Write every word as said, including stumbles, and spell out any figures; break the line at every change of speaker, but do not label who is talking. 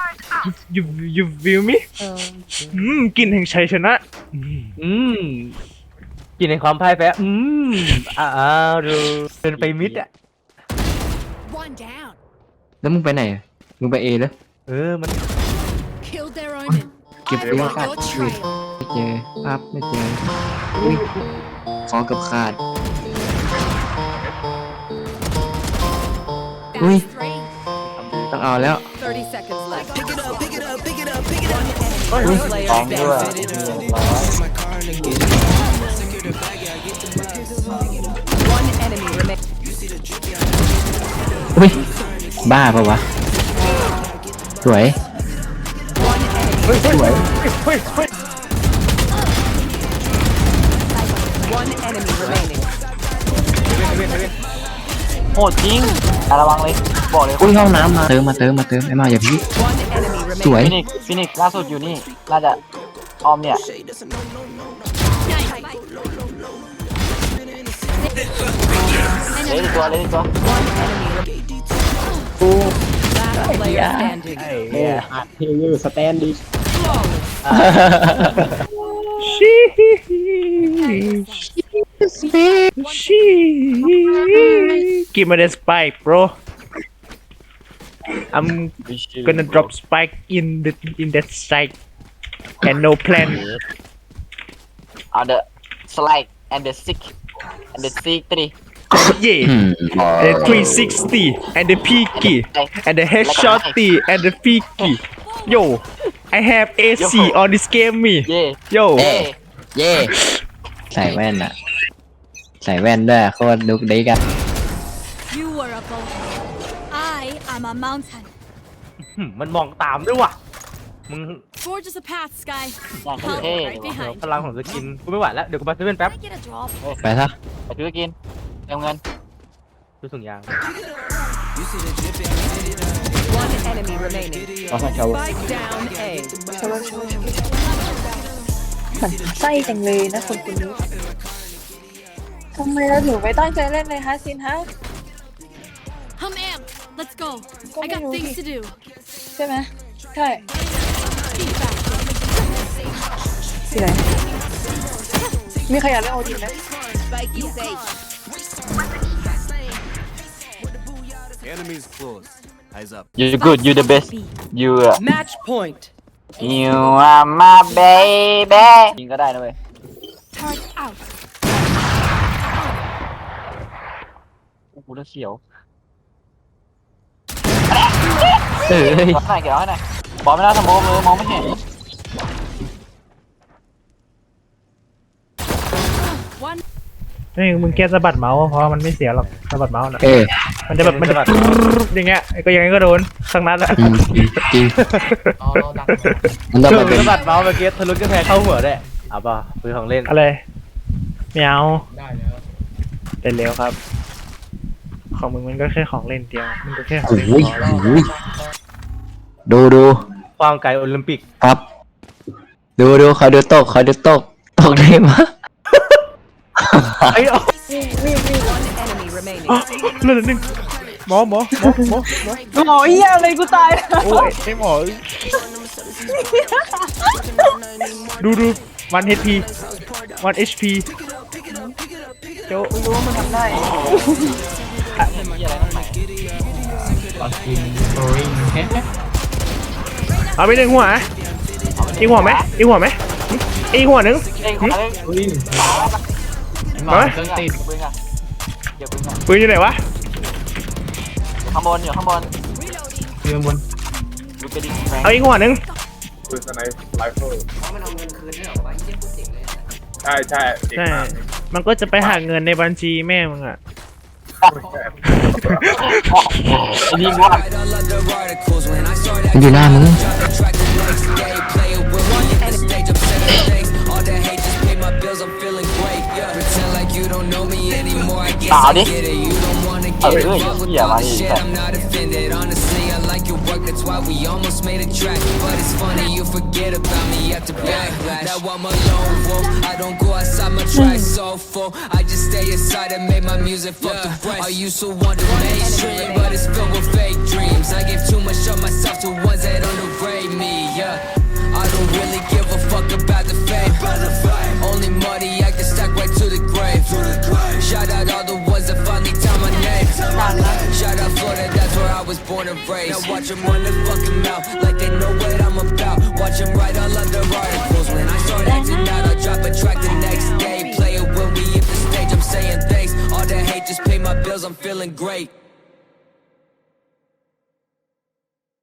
you you feel me อืมกลิ่นแห่งชัยชนะ
อืมกินในความพ่ายแพ้อืมอ้าวดูเดินไปมิดอ่ะ
One down.
แล้วมึงไปไหนมึงไปเอแล้ว
เออมัน
Killed their omen.
เก็บ
I
เรื่อง
follow
ขาด
your
ชีวิต
trail.
ไม่เจอภาพไม่เจออุ้ยคอกับขาด อุ้ย
That's three.
ต้องเอาแล้ว
thirty seconds left.
Ui.
Player
Còn nữa à?
One enemy remains.
อุ้ยบ้าปะวะสวย
One enemy.
สวย
One enemy remaining.
โหดจริงอ่ะระวังเลยบอกเลย
อุ้ยห้องน้ำมาเติมมาเติมมาเติมไอ้มาอย่าพี่
One enemy
สวย
remaining.
ฟินิกฟินิกล่าสุดอยู่นี่น่าจะออมเนี่ยเล่นอีกตัวเล่นอีกตัว
One enemy. Last player standing.
เฮยูสแตนดิ
ชีชีgive me the spike bro I'm gonna drop spike in the in that site and no plan
on the slide and the sick and the sick three
yeah
อืม
and the three sixty and the peaky and the headshotty and the peaky yo I have A C on this game me
เย่
yo
เย่เย่ใส่แว่นอะใส่แว่นด้วยโคตรลุกดีกัน
You were a boulder. I am a mountain.
มันมองตามด้วยว่ะมึง
Forge us a path, Sky.
อยากเท่
Right
เลย
behind.
พลังของสกินกูไม่ไหวแล้วเดี๋ยวกูไปเซเว่นแป๊บ
Can I get a drop?
ไปซะ
ไปซื้อกินเติมเงิน
ดูถุงยาง
One enemy remaining. Spike down A.
หมันไส้จังเลยนะคนคนนี้ทำไมเราถึงไม่ตั้งใจเล่นเลยฮะซินฮะ
I'm amped. Let's go.
Go
I got
on,
things
Ruby.
to do.
ใช่ไหมใช่
Feedback.
สิไหนมีใครอยากเล่นโอดีไหม
Spike is A.
Enemies close. Eyes up.
you good you the best you
Match point.
you are my baby ยิงก็ได้นะเว้ย
Turret out.
กูจะเสียว
เอ้ย
เก็บไว้หน่อยเก็บไว้หน่อยบอลไม่น่าสมองเลยมองไม่เห็น
One.
นี่มึงแค่สะบัดเมาส์เพราะมันไม่เสียหรอกสะบัดเมาส์นะ
เออ
มันจะแบบมันจะแบบอย่างเงี้ยก็ยังไงก็โดนทั้งนั้นอะ
อืมจริงมันต้อง
คือ
มาเป็น
สะบัดเมาส์เมื่อกี้ทะลุกระแพงเข้าหัวได้เอาป่ะปืนของเล่น
อะไรไม่เอาได้แล้วเป็นเร็วครับ ของมึงมันก็แค่ของเล่นเดียวมันก็แค่ของ
โอ้
เล่น
ย
พอแล้ว
โอ้ยดูดู
ความไกลโอลิมปิก
ครับ ดูดูคอยดูตกคอยดูตกตกได้มะ
ไอ้เอา
One enemy remaining.
เลือดหนึ่งหมอหมอหมอหมอหมอ
หมอเหี้ยอะไรกูตาย
โอ้ยไอ้หมอดูดูวัน เอช พี วัน เอช พี โจ
รู้ว่ามึงทำได้
เอาไปหนึ่งหัวอีกหัวไหมอีกหัวไหมอีกหัวหนึ่ง
เอ้ยคนนั้น
มาไหม
เครื่องติดปืนอ่ะเดี๋ยวปืนอ่ะ
ปืนอยู่ไหนวะ
ข้างบนอยู่ข้างบนอยู่ข้างบนดูกระดิ่งแมง
เอาอีกหัวหนึ่ง
ปืนสไนป์ไรเฟิลใช่ใช่เด็ก
ใช่
มาก
มันก็จะไปหาเงินในบัญชีแม่มึงอะ
ไอ้นี่ว่า
มันอยู่หน้ามึง
ตาดิเออเฮ้ยเหี้ยมาดิแบบ
That's why we almost made a track, but it's funny you forget about me after backlash. Now I'm alone, whoa. I don't go outside, my track so full. I just stay inside and make my music fuck the rest. I used to want the mainstream, but it's filled with fake dreams. I gave too much of myself to ones that underground. don't really give a fuck about the fame. Only money I can stack right to the grave. Shout out all the ones that finally tell my name. Shout out Florida, that's where I was born and raised. Now watch them run their fucking mouth like they know what I'm about. Watch them write all of their articles. When I start acting out, I drop a track the next day. Play it when we hit the stage, I'm saying thanks. All the hate just pay my bills, I'm feeling great.